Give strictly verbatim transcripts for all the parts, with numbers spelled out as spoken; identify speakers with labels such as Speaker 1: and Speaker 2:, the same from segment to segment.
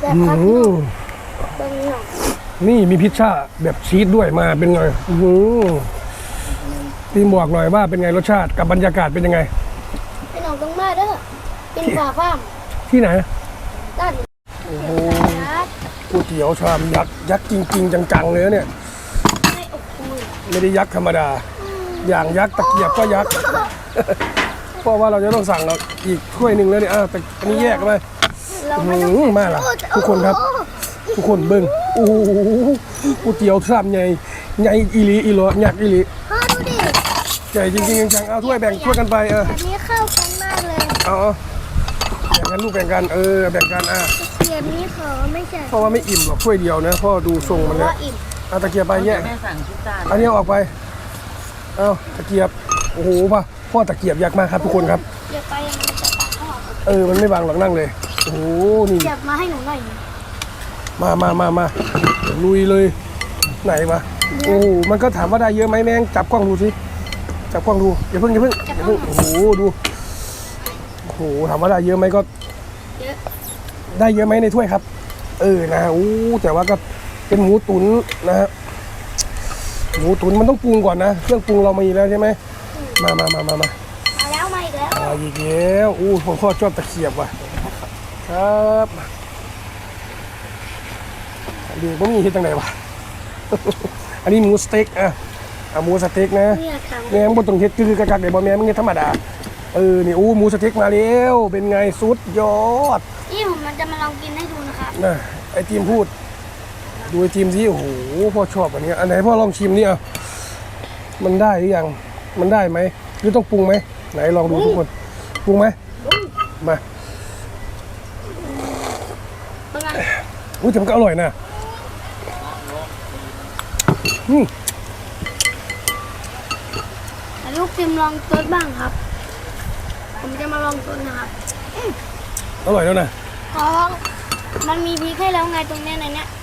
Speaker 1: แบบครับ
Speaker 2: เบิ้งหน่อย
Speaker 1: นี่มีพิซซ่าแบบชีสด้วยมาเป็นไงตีบอกหน่อยว่าเป็นไงรสชาติกับบรรยากาศเป็นยังไง
Speaker 2: พี่น้องต้องมาเด้อกินฝาฟ้าม
Speaker 1: ที่ไหน
Speaker 2: ด้าน
Speaker 1: โอ้โหก๋วยเตี๋ยวชามยักษ์ยักษ์จริงๆจังๆเลยเนี่ย
Speaker 2: ไม่อบอุ่น
Speaker 1: ไม่ได้ยักษ์ธรรมดา อย่างยักษ์ตะเกียบก็ยักษ์ เพราะว่าเราจะต้องสั่งเราอีกถ้วยหนึ่งแล้วเนี่ยอ้าวแต่อันนี้แยกกันไป
Speaker 2: เรา
Speaker 1: อื้อ
Speaker 2: ไม่ต้อง
Speaker 1: หือมาละทุกคนครับ ทุกคนเบิ้งโอ้โหก๋วยเตี๋ยวชามใหญ่ใหญ่อีหลีอีหลอยักษ์อีหลี
Speaker 2: พ่อดูดิ
Speaker 1: ใหญ่จริงๆจังๆเอาถ้วยแบ่งถ้วยกันไปเออ
Speaker 2: อันนี้เข้ากันมากเลย
Speaker 1: เอาเอาแบ่งกันลูกแบ่งกันเออแบ่งกันอ่ะ
Speaker 2: เทียมนี้ขอไม่ใช่
Speaker 1: เพราะว่าไม่อิ่มหรอกถ้วยเดียวนะพ่อดูทรงมัน
Speaker 2: เพ
Speaker 1: แล้ว
Speaker 2: ราะอิ่ม
Speaker 1: เอาตะเกียบไปแยก
Speaker 3: แม่สั่งพิซซ่า
Speaker 1: อันนี้เอาออกไปเอาตะเกียบโอ้โหป่ะพ่อตะเกียบยักษ์มากครับทุกคนครับ
Speaker 2: เดี๋ยวไปมันจะตัดข้าว
Speaker 1: เออมันไม่บางหรอกนั่งเลยโอ้โหนี่
Speaker 2: เก็บมาให้หนูหน่อย
Speaker 1: มามามามาลุยเลยไหนวะโอ้โหมันก็ถามว่าได้เยอะไหมแม่งจับกล้องดูสิจับกล้องดูอย่าเพิ่งอย่าเพิ่งอย่าเพิ่งโอ้โหดูโอ้โหถามว่าได้เยอะไหมก็
Speaker 2: เยอะ
Speaker 1: ได้เยอะไหมในถ้วยครับ เออนะโอ้แต่ว่าก็เป็นหมูตุ๋นนะฮะหมูตุ๋นมันต้องปรุงก่อนนะเครื่องปรุงเรามีแล้วใช่ไหมมามามามามา
Speaker 2: มาแล้วมาอีกแล้ว
Speaker 1: อ่าอีกแล้วอู้ผมพ่อชอบตะเขียบว่ะครับเดี๋ยวผมมีที่ตรงไหนวะ อันนี้หมูสเต็กอ่ะเอาหมูสเต็กนะ
Speaker 2: เนี่ยค่ะ
Speaker 1: แม่งบนตรงเฮ็ดคือกักๆเดี๋ยวบอแม่มึงเฮ็ดธรรมดาเออนี่อู้หมูสเต็กมาแล้วเป็นไงสุดยอด
Speaker 2: นี่ผมมันจะมาลองกินให้ดูนะครับ
Speaker 1: นะไอทีมพูด ดูไอทีมสิโอ้โหพ่อชอบอันนี้อันไหนพ่อลองชิมนี่อ่ะมันได้หรือยังมันได้ไหมหรือต้องปรุงไหมไหนลองดูทุกคนปรุงไหมมา
Speaker 2: เป็นไง
Speaker 1: อุ้ยแต่มันก็อร่อยนะอืม
Speaker 2: แต่ลูกจิมลองซดบ้างครับ ผมจะมาลองซดนะครับ
Speaker 1: อร่อยแล้วนะ
Speaker 2: เพราะมันมีพริกให้แล้วไงตรงเนี้ยในเนี้ย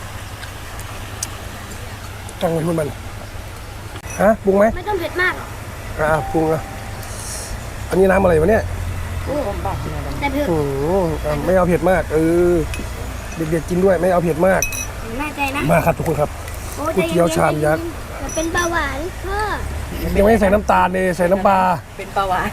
Speaker 1: จังเลยคุณมันฮะปรุงไหม
Speaker 2: ไม่ต้องเผ็ดมากหรอก
Speaker 1: อ่าปรุงอ่ะอันนี้น้ำอะไรวะเนี่ย
Speaker 2: แต่เผ็ด
Speaker 1: โอ้โหอ่ะไม่เอาเผ็ดมากเออเด็กๆกินด้วยไม่เอาเผ็ดมาก
Speaker 2: แน่ใจนะ
Speaker 1: มาครับทุกคนครับ
Speaker 2: โอ้
Speaker 1: ก๋วยเตี๋ยวชามยักษ์
Speaker 2: แต่เป็นเบาหวานพ่อ
Speaker 1: ยังไม่ใส่น้ำตาลเลยใส่น้ำปลา
Speaker 3: เป็นปลาวาน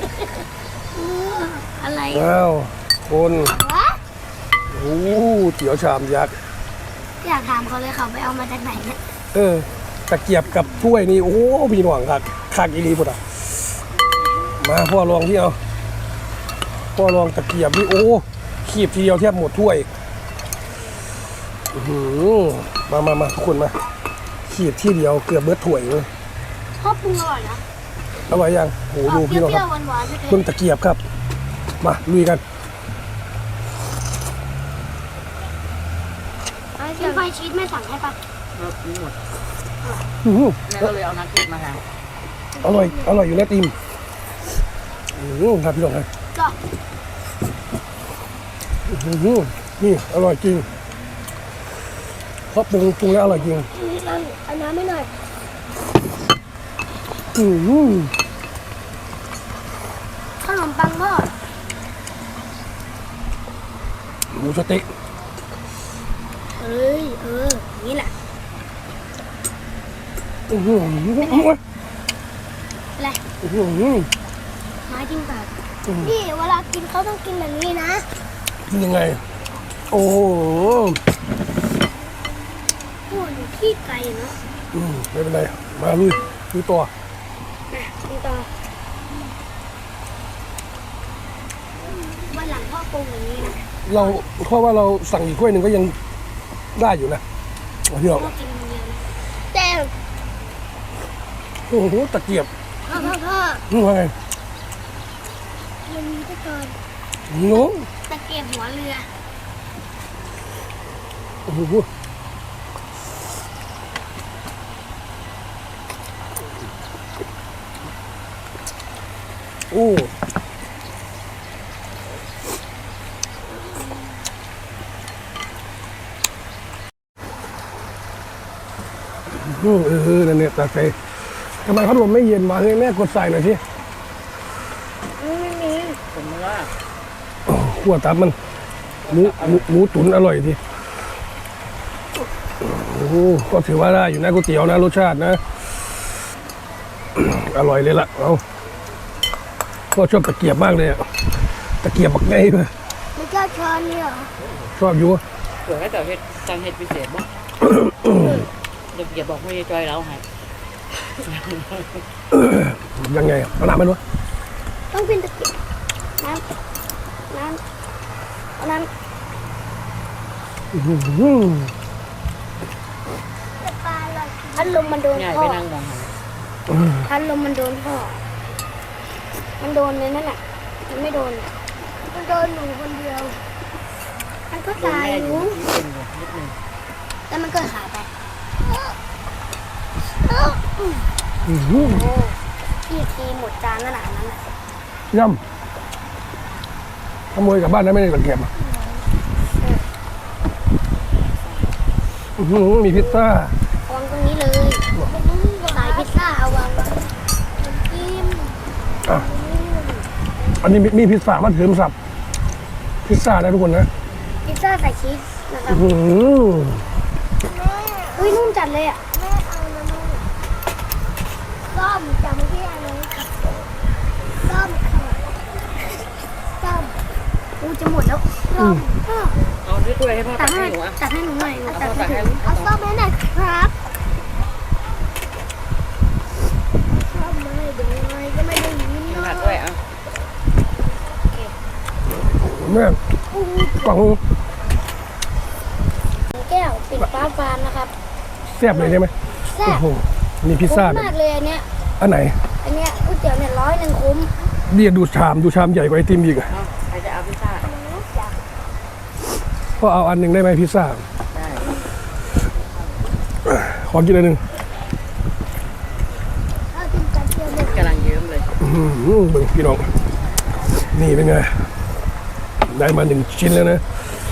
Speaker 2: อะไร
Speaker 1: ว้าวคน
Speaker 2: วะ
Speaker 1: โอ้โหเตี๋ยวชามยักษ์
Speaker 2: อยากถามเขาเลยเขาไปเอามาจากไหนเนี่ย
Speaker 1: เออตะเกียบกับถ้วยนี่โอ้โหมีหน่วงคักคักอีรีพุดอ่ะมาพ่อลองที่เอาพ่อลองตะเกียบนี่โอ้ขีบทีเดียวแทบหมดถ้วยอื้อหือมามามาทุกคนมาขีบที่เดียวเกือบเบิดถ้วยเลย
Speaker 2: พ่อปรุงอร่อยนะ
Speaker 1: อร่อยยังโอ้โหดู
Speaker 2: เป
Speaker 1: พี่น้องค
Speaker 2: รี้ย
Speaker 1: รั
Speaker 2: ว
Speaker 1: บ
Speaker 2: ๆหวานๆไม่เผ็
Speaker 1: เพิ่ง
Speaker 2: ด
Speaker 1: ตะเกียบครับ มาลุยกัน
Speaker 2: กินไฟชีสไม่สั่งให้ปะ
Speaker 3: รสนี้หมด
Speaker 1: อื้อหือ
Speaker 3: แม่ก็เลยเอานักเก็ตมาทาน
Speaker 1: อร่อยอร่อยอยู่แล้วติมอื้อหือครับพี่น้องครับ
Speaker 2: ก็
Speaker 1: อื้อหือนี่อร่อยจริงเพราะปรุงปรุงแล้วอร่อยจริง
Speaker 2: นี่นั่นเอาน้ำไม่หน่อย
Speaker 1: อื้อหือ
Speaker 2: ขนมปังพ่อ
Speaker 1: หมูสเต็ก
Speaker 2: เอ้ยเอออย่างนี้แหละ
Speaker 1: อื้อหือ
Speaker 2: อะไร
Speaker 1: อื้อหือ
Speaker 2: ไม้จิ้มปากนี่เวลากินเขาต้องกินแบบนี้นะ
Speaker 1: กินยังไง โอ้โห
Speaker 2: โอ้ยขี้ไก่เนาะ
Speaker 1: อืมไม่เป็นไรมาลุยลุยต่อ
Speaker 2: นะกินต่อวันหลังพ่อปรุงอย่างนี้นะ
Speaker 1: เราเพราะว่าเราสั่งอีกถ้วยหนึ่งก็ยังได้อยู่นะพี่น้อง
Speaker 2: พ่อกินคนเดียวนะแต่
Speaker 1: โอ้โหตะเกียบ
Speaker 2: พ่อพ่อพ่อ
Speaker 1: นี่ว่าไง
Speaker 2: มันมีตะกอน
Speaker 1: น้อง
Speaker 2: ตะเกียบหัวเรือ
Speaker 1: โอ้โหโอ้เออเออนั่นเนี่ยตัดไปทำไมพัดลมไม่เย็นวะเฮ้ยแม่กดใส่หน่อยสิ
Speaker 2: ไม่มี
Speaker 3: ผมว่า
Speaker 1: โอ้ขวดตับมันหมูหมูหมูตุ๋นอร่อยทีโอ้โหก็ถือว่าได้อยู่นะก๋วยเตี๋ยวนะรสชาตินะ อร่อยเลยล่ะเอาก็ชอบตะเกียบมากเลยอะตะเกียบบักไงเลย
Speaker 2: ไม่กล้าช้อนนี่เหรอ
Speaker 1: ชอบอยู่
Speaker 3: เผื่อให้แต่เห็ดจังเห็ดพิเศษบ้างเดี๋ยวเกียบบอกไม่จอยแล้วให้
Speaker 1: ยังไงอะเอาน้ำมันวะ
Speaker 2: ต้องเป็นตะเกียบน้ำน้ำเอาน้ำ
Speaker 1: อื้อหือ
Speaker 2: พัดลมมันโดน
Speaker 3: ง่าย
Speaker 2: พ่
Speaker 3: ไป
Speaker 2: อ
Speaker 3: นั่งมองหัน
Speaker 2: พัดลมมันโดนพ่อมันโดนเลยนั่นแหละมันไม่โดนมันโดนหนูคนเดียวมันก็
Speaker 3: โดน
Speaker 2: ตาย
Speaker 3: แม่
Speaker 2: อ
Speaker 3: อยู่
Speaker 2: ยู่
Speaker 3: นิดนึงนิดนึง
Speaker 2: แล้วมันก็หายไป
Speaker 1: อื้อหือ
Speaker 2: โอ้พี่ทีหมดจานขนาดนั้นอ่ะ
Speaker 1: ย่ำขโมยกลับบ้านได้ไม่ได้ตะเกียบอะอื้อหือมีพิซซ่า
Speaker 2: วางตรงนี้เลยสายพิซซ่าเอาวางไว้กิน
Speaker 1: อ่ะอันนี้มีมีพิซซ่ามาเถิมสับพิซซ่าได้ทุกคนนะ
Speaker 2: พิซซ่าใส่ชีสนะครับ
Speaker 1: อื้อหือ
Speaker 2: เฮ้ยนุ่มจัดเลยอ่ะแม่เอานะนุ่มส้มจำที่อะไรส้มค่ะส้มอูจะหมดแล้วส้ม
Speaker 3: เอาด้วยถ้วยให้พ่อ
Speaker 2: ตั
Speaker 3: ตั
Speaker 2: ก
Speaker 3: ก
Speaker 2: ให้
Speaker 3: ให้หนูอ่ะ
Speaker 2: ตักให้หนูหน่อยหนู
Speaker 3: เอา
Speaker 2: ตัก
Speaker 3: พ่อ
Speaker 2: ให้
Speaker 3: ตัก
Speaker 2: หนู
Speaker 3: ให้
Speaker 2: เอาส้มให้หน่อยครับส้มไม่ดูหน่อยก็ไม่ได้ยิน
Speaker 3: กิน
Speaker 2: เนาะ
Speaker 3: ผักด้วยอ่ะ
Speaker 1: แม่กล่อง
Speaker 2: แก้วปิดฟ้าฟานนะครับ
Speaker 1: แซ่บเลยใช่ไหม
Speaker 2: แซ่บ
Speaker 1: โอ้โหมีพิซซ่า
Speaker 2: คุ้ม
Speaker 1: แบบ
Speaker 2: มากเลยอันเนี้ย
Speaker 1: อันไหน
Speaker 2: อันเนี้ยก๋วยเตี๋ยวเนี่ยร้อยหนึ่งคุ้ม
Speaker 1: เดียดูชามดูชามใหญ่กว่าไอติมอีกอะ
Speaker 3: เอาใครจะเอาพิซซ่า
Speaker 1: ก็เอาอันหนึ่งได้ไหมพิซซ่า
Speaker 3: ได้
Speaker 1: ขอกินอันหนึ่ง
Speaker 2: เอากินกันเชียวเลย
Speaker 3: กำลังเยิ้มเลย
Speaker 1: อื้อหือเบิ่งพี่น้องนี่เป็นไงได้มาหนึ่งชิ้นแล้วนะ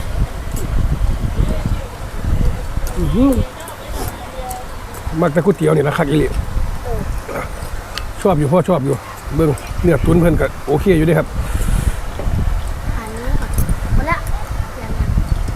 Speaker 1: อื้อหือมักแต่ก๋วยเตี๋ยวนี่ละคักอีหลีชอบอยู่พ่อชอบอยู่เบิ่งเนื้อตุ๋นเพิ่นก็โอเคอยู่เด้ครับ
Speaker 2: อันนี้ก่อนหมดละยังยัง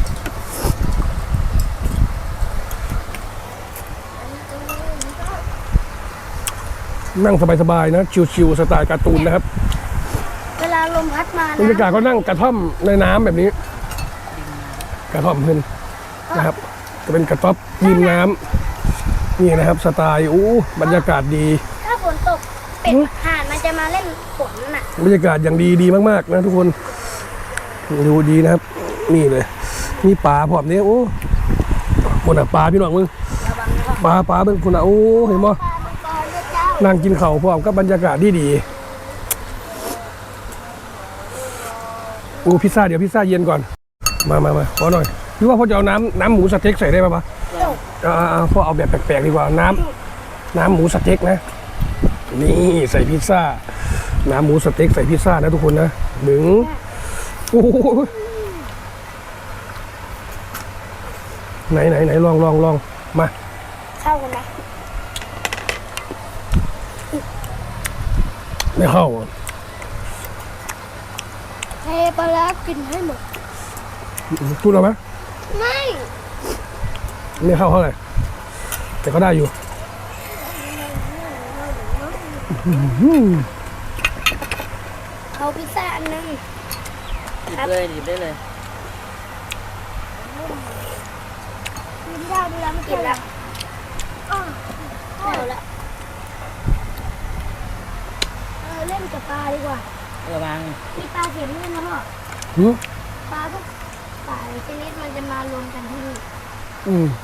Speaker 1: นั่งสบายๆนะชิวๆสไตล์การ์ตูนนะครับ
Speaker 2: เวลาลมพัดมา
Speaker 1: บรรยากาศ
Speaker 2: นะ
Speaker 1: ก็นั่งกระท่อมในน้ำแบบนี้ กระท่อมเพิ่นนะครับจะเป็นกระต๊อบริมน้ำนี่นะครับ สไตล์อู้บรรยากาศดี
Speaker 2: ถ้าฝนตกเป็ดห่านมันจะมาเล่นฝนน่ะ
Speaker 1: บรรยากาศอย่างดีดีมากๆนะทุกคนดูดีนะครับ นี่เลยมีปลาพร้อมนี้โอ้คนอ่ะปลาพี่น้องมึง
Speaker 2: ระวังนะครับ
Speaker 1: ปลาปลาเป็นคนอ่ะโอ้เห็นมั้ย
Speaker 2: ปลามังกรด้วยเจ้า
Speaker 1: นั่งกินข้าวพร้อมกับบรรยากาศดีดีโอ้พิซซ่าเดี๋ยวพิซซ่าเย็นก่อนมามามาขอหน่อยพี่ว่าพ่อจะเอาน้ำน้ำหมูสเต็กใส่ได้ป่ะปะ อ่าๆพ่อเอาแบบแปลกๆดีกว่าน้ำน้ำหมูสเต็กนะนี่ใส่พิซซ่า น้ำหมูสเต็กใส่พิซซ่านะทุกคนนะหนึ่งโอ้โหไหนไหนไหนลองลองลองมา
Speaker 2: เข้ากันไหม
Speaker 1: ไม่เข้าอ่ะ
Speaker 2: เทปลาร้ากินให้หมด
Speaker 1: พูดเอาไหม
Speaker 2: ไม่
Speaker 1: ไม่เข้าเท่าไหร่แต่ก็ได้อยู่
Speaker 2: เอาพิซซ่าอันนึง
Speaker 3: หยิบเลยหยิบได้เลย
Speaker 2: กินได้ดูแล้วไม่กินแล้วอ้าวไม่เอาละเออเล่นกับปลาดีกว่า
Speaker 3: ระวัง
Speaker 2: มีปลาเข็มด้วยนะพ่อ
Speaker 1: หือ
Speaker 2: ปลาทุกสายชนิดมันจะมารวมกันที่นี่
Speaker 1: อืม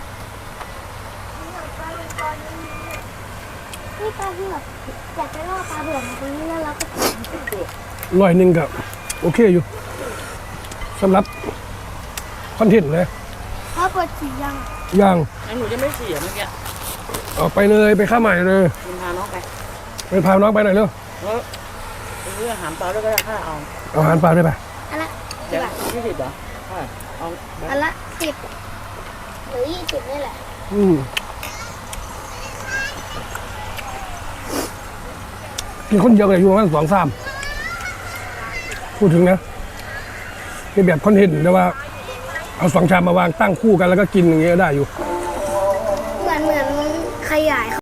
Speaker 2: นี่ปลาเผือกอยากจะล่อปลาเผือกมาตรงนี้แล้วเราก็
Speaker 1: ร้อยหนึ่งกับโอเคอยู่สำหรับคอนเทนต์เลย
Speaker 2: พ่อเปิดสียัง
Speaker 1: ย่าง
Speaker 3: งั้นหนูจะไม่เสียเมื่อกี้
Speaker 1: ออกไปเลยไปข้าวใหม่เลย
Speaker 3: คุณพาน้องไป
Speaker 1: ไปพาน้องไปหน่อยเร็ว
Speaker 3: แล้วเรื่องอาหารปลาด้วยก็ได้ค่าเอา
Speaker 1: เอาอาหารปลาด้วยไป
Speaker 2: อันละ
Speaker 3: เดี๋
Speaker 2: กี่
Speaker 3: ยว
Speaker 2: บาท
Speaker 3: ยี่สิบเหรอเท่าไหร่เอา
Speaker 2: อันละสิบหรือยี่สิบนี่แหละ
Speaker 1: อืมมีคนเยอะเลยอยู่ประมาณสองสามพูดถึงนะเป็นแบบคอนเทนต์แต่ว่าเอาสองชามมาวางตั้งคู่กันแล้วก็กินอย่างเงี้ยได้อยู่
Speaker 2: เหมือนเหมือนขยาย